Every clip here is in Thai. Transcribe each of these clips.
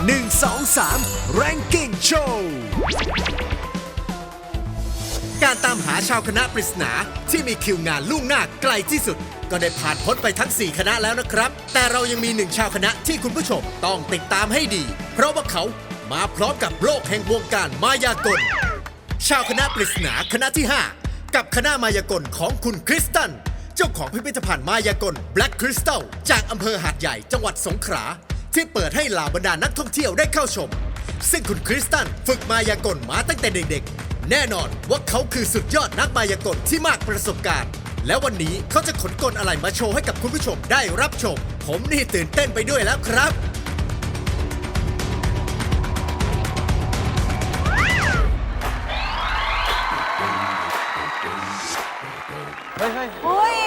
1 2 3 Ranking Show การตามหาชาวคณะปริศนาที่มีคิวงานล่วงหน้าไกลที่สุดก็ได้ผ่านพ้นไปทั้ง 4 คณะแล้วนะครับแต่เรายังมี1ชาวคณะที่คุณผู้ชมต้องติดตามให้ดีเพราะว่าเขามาพร้อมกับโลกแห่งวงการมายากลชาวคณะปริศนาคณะที่ 5 กับคณะมายากลของคุณคริสตันเจ้าของพิพิธภัณฑ์มายากล Black Crystal จากอำเภอหาดใหญ่จังหวัดสงขลาที่เปิดให้เหล่าบรรดานักท่องเที่ยวได้เข้าชมซึ่งคุณคริสตันฝึกมายากลมาตั้งแต่เด็กๆแน่นอนว่าเขาคือสุดยอดนักมายากลที่มากประสบการณ์แล้ววันนี้เขาจะขนกลอะไรมาโชว์ให้กับคุณผู้ชมได้รับชมผมนี่ตื่นเต้นไปด้วยแล้วครับเฮ้ย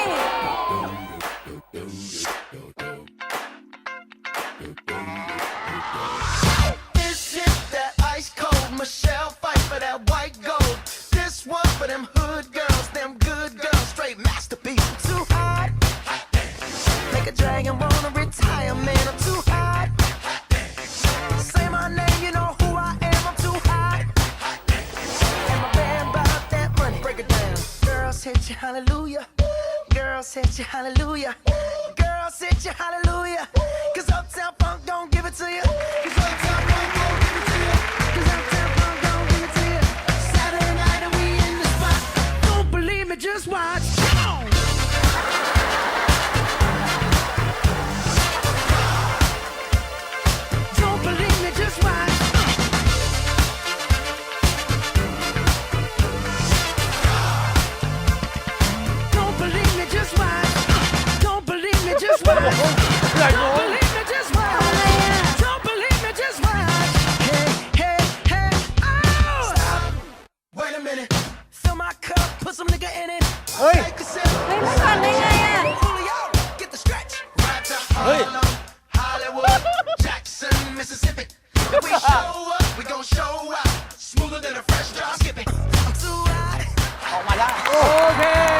This is that ice cold Michelle fight for that white gold. This one for them hood girls, them good girls, straight masterpiece. I'm too hot, make a dragon wanna retire, man. I'm too hot. Say my name, you know who I am. I'm too hot. And my band bought that money. Break it down. Girls hit you, hallelujah. Girls hit you, hallelujah. Girls hit you, hallelujah. Cause Uptown Funk don't give it to you. Cause Uptown Funk don't give it to you. Cause Uptown Funk don't give it to you. Saturday night and we in the spot. Don't believe me, just watch. Don't believe me, just watch. Don't believe me, just watch. Don't believe me, just watch. Don't believe me, just watch. Don't believe me, just watch. Hey, hey, hey, oh! Stop. Wait a minute. Fill my cup, put some nigga in it. Hey. Take a sip. เฮ้ยไม่ทันได้ไงอ่ะ Julio, get the stretch. Right to Harlem, Hollywood, Jackson, Mississippi. If we show up, we gon' show out. Smoother than a fresh drop. Skip it. I'm too hot. ออกมาได้โอเค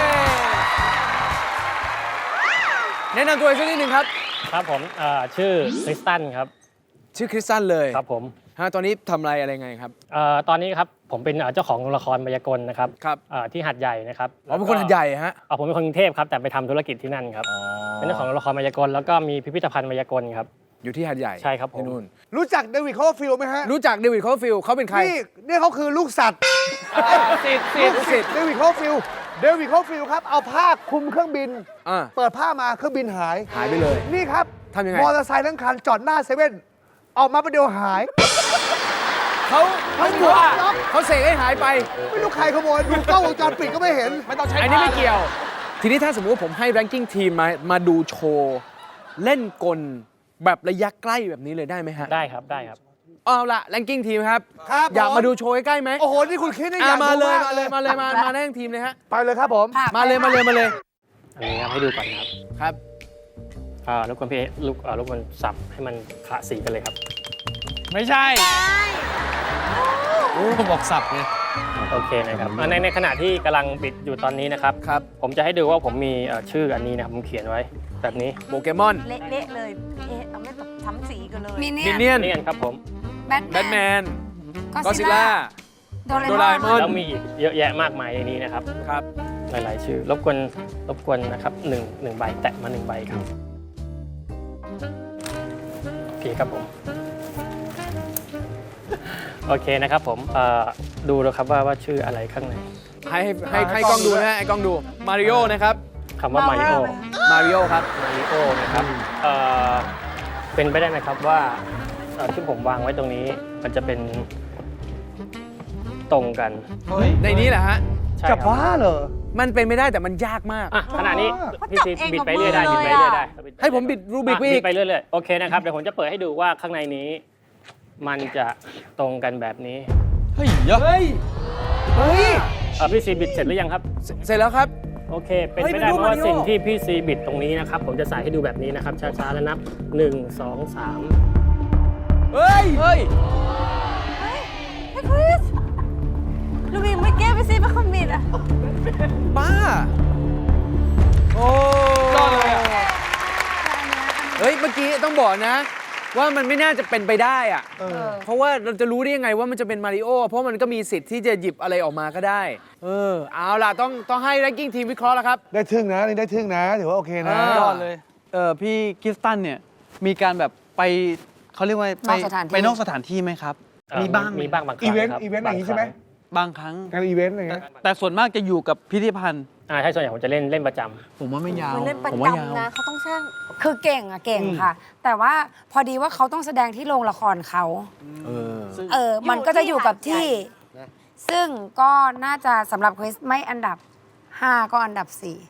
แนะนำตัวเองสักนิดหนึ่งครับครับผมชื่อคริสตันครับชื่อคริสตันเลยครับผมตอนนี้ทำอะไรไงครับตอนนี้ครับผมเป็นเจ้าของละครมายากลนะครับครับที่หาดใหญ่นะครับอ๋อเป็นคนหัดใหญ่ฮะผมเป็นคนกรุงเทพครับแต่ไปทำธุรกิจที่นั่นครับเป็นเจ้าของละครมายากลแล้วก็มีพิพิธภัณฑ์มายากลครับอยู่ที่หาดใหญ่ใช่ครับผมที่นู่นรู้จักเดวิดคอร์ฟิลด์ไหมฮะรู้จักเดวิดคอร์ฟิลด์เขาเป็นใครนี่เขาคือลูกสัตว์สิทธิ์เดวิดคอร์ฟิลด์ครับ เอาผ้าคลุมเครื่องบินอ่าเปิดผ้ามาเครื่องบินหายหายไปเลยนี่ครับทำยังไงมอเตอร์ไซค์ทั้งคันจอดหน้าเซเว่นออกมาประเดี๋ยวหายเขาถือว่าเขาเสกให้หายไปไม่รู้ใครขโมยดูกล้องวงจรปิดก็ไม่เห็นไม่ต้องใช้อันนี้ไม่เกี่ยว ทีนี้ถ้าสมมติว่าผมให้ ranking team มาดูโชว์เล่นกลแบบระยะใกล้แบบนี้เลยได้ไหมฮะได้ครับได้ครับเอาละ ranking team ครับครับอยากผมมาดูโชว์ใกล้ๆไหมโอ้โห นี่คุณคิดได้อยากมาดูเลยกมาแน่งทีมเลยฮะไปเลยครับผมมาเลยอันนี้ครับให้ดูก่อนนะครับครับรบกวนพี่รบกวนสับให้มันคละสีกันเลยครับไม่ใช่โอ้บอกสับไงโอเคนะครับในขณะที่กำลังบิดอยู่ตอนนี้นะครับครับผมจะให้ดูว่าผมมีชื่ออันนี้นะครับผมเขียนไว้แบบนี้โปเกมอนเละๆเลย เอ๊ะเอาไม่แบบทำสีกันเลยมินเนี่มิยนเนี่ยนนี่กันครับผมแบทแบทแมนก็ก็ซิซิล่าล่าโดโดเรรามเอมอนอนแล้วมีอีกเยอะแยะมากมายในนี้นะครับครับหลายๆชื่อรบกวนนะครับหนึ่งใบแตะมา1ใบครับโอเคครับผมโอเคนะครับผมดูแล้วครับว่าชื่ออะไรข้างในให้กล้องดูนะฮะให้กล้องดู มาริโอนะครับคำว่ามาริโอมาริโอครับมาริโอนะครับเป็นไปได้ไหมครับว่าที่ผมวางไว้ตรงนี้มันจะเป็นตรงกันในนี้แหละฮะใช่จะครับบ้าเหรอมันเป็นไม่ได้แต่มันยากมากขณะนี้เขาพี่จับซีเองบิดกับไปเรื่อยได้มืบิอดเลไปยเรื่อยอะได้ให้ผมบิดรูบิกไปบิอีดกไปเรื่อยๆโอเคนะครับเดี๋ยวผมจะเปิดให้ดูว่าข้างในนี้มันจะตรงกันแบบนี้เฮ้ยเฮ้ยพี่ซีบิดเสร็จหรือยังครับเสร็จแล้วครับโอเค เป็นเฮ้ยไปได้เป็นรูปเพราะว่ามาริโอสิ่งที่พี่ซีบิดตรงนี้นะครับผมจะใส่ให้ดูแบบนี้นะครับช้าๆแล้วนับ1 2 3 เฮ้ยเฮ้ยคริสลูบิงไม่แก้ไปสิเป็นคนบิดอ่ะบ้า โอ้ยอดเลยอะเฮ้ย เมื่อกี้ต้องบอกนะว่ามันไม่น่าจะเป็นไปได้อะเออเพราะว่าเราจะรู้ได้ยังไงว่ามันจะเป็นมาริโอเพราะมันก็มีสิทธิ์ที่จะหยิบอะไรออกมาก็ได้เอาล่ะต้องให้ ranking ทีมวิเคราะห์แล้วครับได้ทึ่งนะนี่ได้ทึ่งนะถือว่าโอเคนะยยอดเลย พี่คริสตันเนี่ยมีการแบบไปเขาเรียกว่าไปนอกสถานที่ไปนอกสถานที่ไหมครับ มีบ้างไหมีบ้างบางครั้อีงเวนต์ครับอีเวนต์อย่างนี้ใช่ไหมบางครั้งงานอีเวนต์อะไรเงี้ยแต่ส่วนมากจะอยู่กับพิพิธภัณฑ์ใช่ส่วนใหญ่ผมจะเล่นประจำผมว่าไม่ยาวมันเล่นประผมว่ายาวจำนะเขาต้องช่างคือเก่งอะเก่งค่ะ แต่ว่าพอดีว่าเขาต้องแสดงที่โรงละครเขามันก็จะอยู่กับที่ ซึ่งก็น่าจะสำหรับคริสไม่อันดับ 5 ก็อันดับ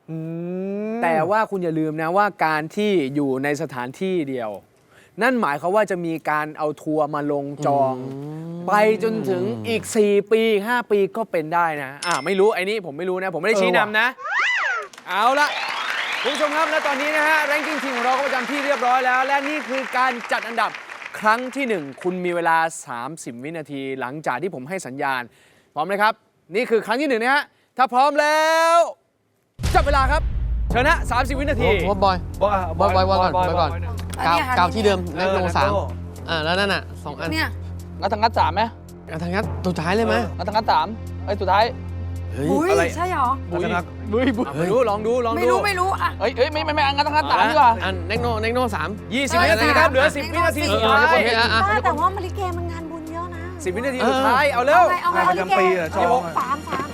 4 แต่ว่าคุณอย่าลืมนะว่าการที่อยู่ในสถานที่เดียว นั่นหมายความว่าจะมีการเอาทัวร์มาลงจอง ไปจนถึงอีก 4 ปี 5 ปีก็เป็นได้นะไม่รู้ไอ้นี่ผมไม่รู้นะ ผมไม่ได้ชี้นำนะ เอาละคุณผู้ชมครับและตอนนี้นะฮะ ranking ทีมของเราก็ประจำที่เรียบร้อยแล้ว และนี่คือการจัดอันดับครั้งที่ 1 คุณมีเวลา 30 วินาที หลังจากที่ผมให้สัญญาณ พร้อมไหมครับ นี่คือครั้งที่ 1 นะฮะ ถ้าพร้อมแล้วจับเวลาครับเชิญนะ30 วินาทีผมว่าบอยก่อนกาวที่เดิมแน็กโน3แล้วนั่นน่ะ2 อันเนี่ยงัดทางงัด3ไหมทางงัดตัวท้ายเลยไหมงัดทางงัด3ไอ้สุดท้ายอุ้ยอะไรใช่เหรอไม่รู้ลองดูไม่รู้อะเฮ้ยไม่งัดทางงัด3ดีกว่าอันแน็กโน3 20 วินาทีครับ เหลือ 10 วินาทีสุดท้ายโอเคแต่ว่ามาริเกมันงานบุญเยอะนะ 10 วินาทีสุดท้าย เอาเร็วเอาไงงานประจำปีเหรอจองอะสาม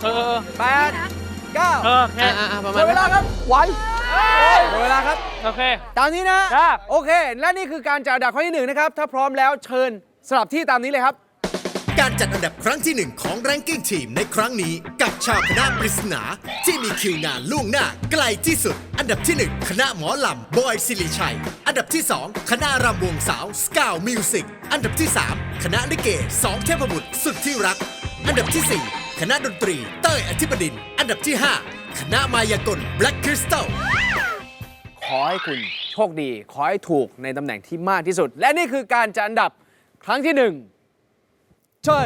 8 9 ประหมมาณดเวลาครับไว้หมดเวลาครับโอเคตามนี้นะครับโอเค และนี่คือการจัดอันดับข้อที่ 1 นะครับ ถ้าพร้อมแล้วเชิญสลับที่ตามนี้เลยครับการจัดอันดับครั้งที่ 1 ของ Ranking Team ในครั้งนี้กับชาวคณะปริศนาที่มีคิวงานล่วงหน้าไกลที่สุด อันดับที่ 1 คณะหมอลำบอยสิริชัย อันดับที่ 2 คณะรำวงสาวสกาวมิวสิกอันดับที่ 3 คณะลิเก2เทพบุตรสุดที่รัก อันดับที่ 4 คณะดนตรีเต้ยอธิบดินทร์อันดับที่ 5 คณะมายากล Black Crystal ขอให้คุณโชคดี ขอให้ถูกในตำแหน่งที่มากที่สุด และนี่คือการจัดอันดับครั้งที่ 1 เชิญ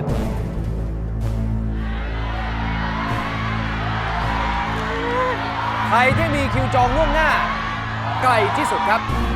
ใครที่มีคิวจองล่วงหน้า ไกลที่สุดครับ